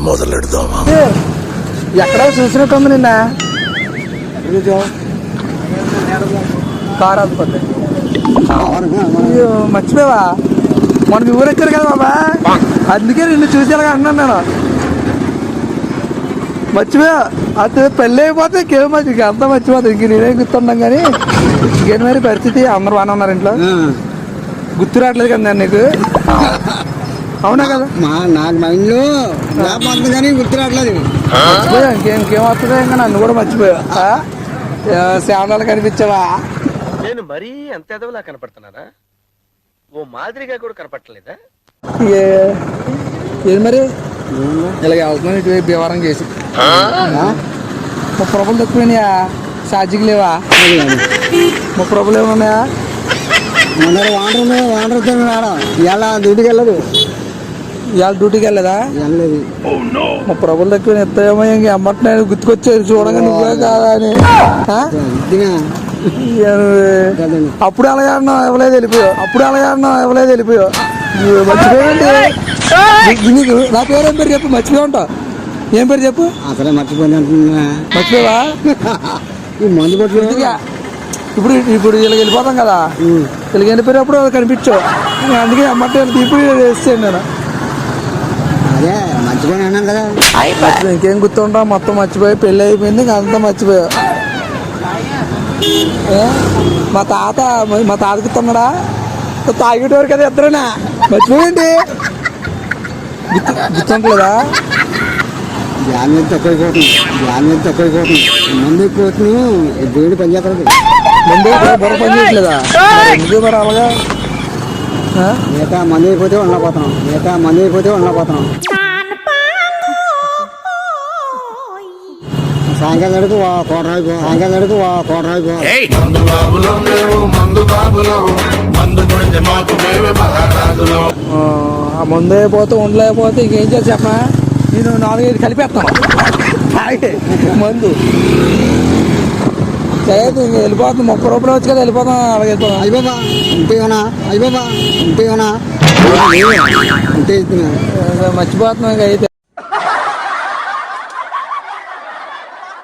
మొదలెడదామా? ఎక్కడో చూసినట్టుంది నిన్న కారు అనుకోండి. మర్చిపోయావా మన మీ ఊరు ఎక్కారు కదా బాబా, అందుకే నిన్ను చూసేలాగా అన్నాను నేను. మర్చిపోయా అది పెళ్ళి అయిపోతే ఇంకేం మంచి అంతా మర్చిపోతుంది. ఇంక నేనే గుర్తున్నాం కానీ ఇంకేం మరి పరిస్థితి. అందరు బాగానే ఉన్నారు ఇంట్లో? గుర్తు రావట్లేదు కదా నేను నీకు? అవునా కదా? నాకు మైండ్లో కానీ గుర్తు రావట్లేదు. మర్చిపోయా ఇంకేం వస్తుందో ఇంకా నన్ను కూడా మర్చిపోయా. శావనాలు కనిపించావా? నేను మరీ అంత ఎదవలా కనపడుతున్నారా? ఓ మాదిరిగా కూడా కనపడలేదా? ఏది మరి ఇలాగ అవుతున్నాను ఇటువైపు భీవరం చేసి 30 రూపాయలు తక్కువైనాయా? ఛార్జీకి లేవా? 30 రూపాయలు ఏమన్నాయా? వాండర్ ఇలా డ్యూటీకి వెళ్ళదు. ఇవాళ డ్యూటీకి వెళ్ళదా? వెళ్ళలేదు. 30 రూపాయలు తక్కువ ఎత్తాయేమో ఇంక అమ్మట్లేదు. గుర్తుకొచ్చేది చూడగా నువ్వే కాదా అని. అప్పుడు అలాగే అన్నావు ఇవ్వలేదు వెళ్ళిపోయావు. మర్చిపోయండి. నీకు నా పేరు ఏం పేరు చెప్పు? మర్చిపోయి ఉంటావు. ఏం పేరు చెప్పు? అసలే మర్చిపోయింది. మర్చిపోవా? మందు కొట్టు. ఇప్పుడు ఇలా వెళ్ళిపోతాం కదా, ఇలా వెళ్ళిపోయినప్పుడు కనిపించావు. అందుకే అమ్మట్టే ఇప్పుడు వేస్తాను నేను. అదే మర్చిపోయి అన్నాను కదా. ఇంకేం గుర్తుంటావు? మొత్తం మర్చిపోయి పెళ్ళి అయిపోయింది ఇంకా అంతా మర్చిపోయావు. మా తాత గుర్తున్నాడా? తాగేటవారు కదా ఇద్దరేనా? మర్చిపోయండి. గుర్తుంటలేదా? ధ్యానం మీద తక్కువైపోతుంది. మందు ఎక్కువ దేవుడు పనిచేస్తుంది. ముందు బుర్ర పని చేయట్లేదా? ఎందుకు మరి అలాగా? మిగతా మంది అయిపోతే ఉండకపోతున్నాం. సాయంకాలం అడుగు కోటరాయిపో. ఆ ముందు అయిపోతే ఉండలేకపోతే ఇంకేం చేసి చెప్పా? నేను 4-5 కలిపేస్తాను మందు. సరే ఇంక వెళ్ళిపోతుంది. 30 రూపాయలు వచ్చి కదా వెళ్ళిపోతాం. అలాగే వెళ్ళిపోతాం. అయిపోనా మర్చిపోతున్నాం ఇంక అయితే.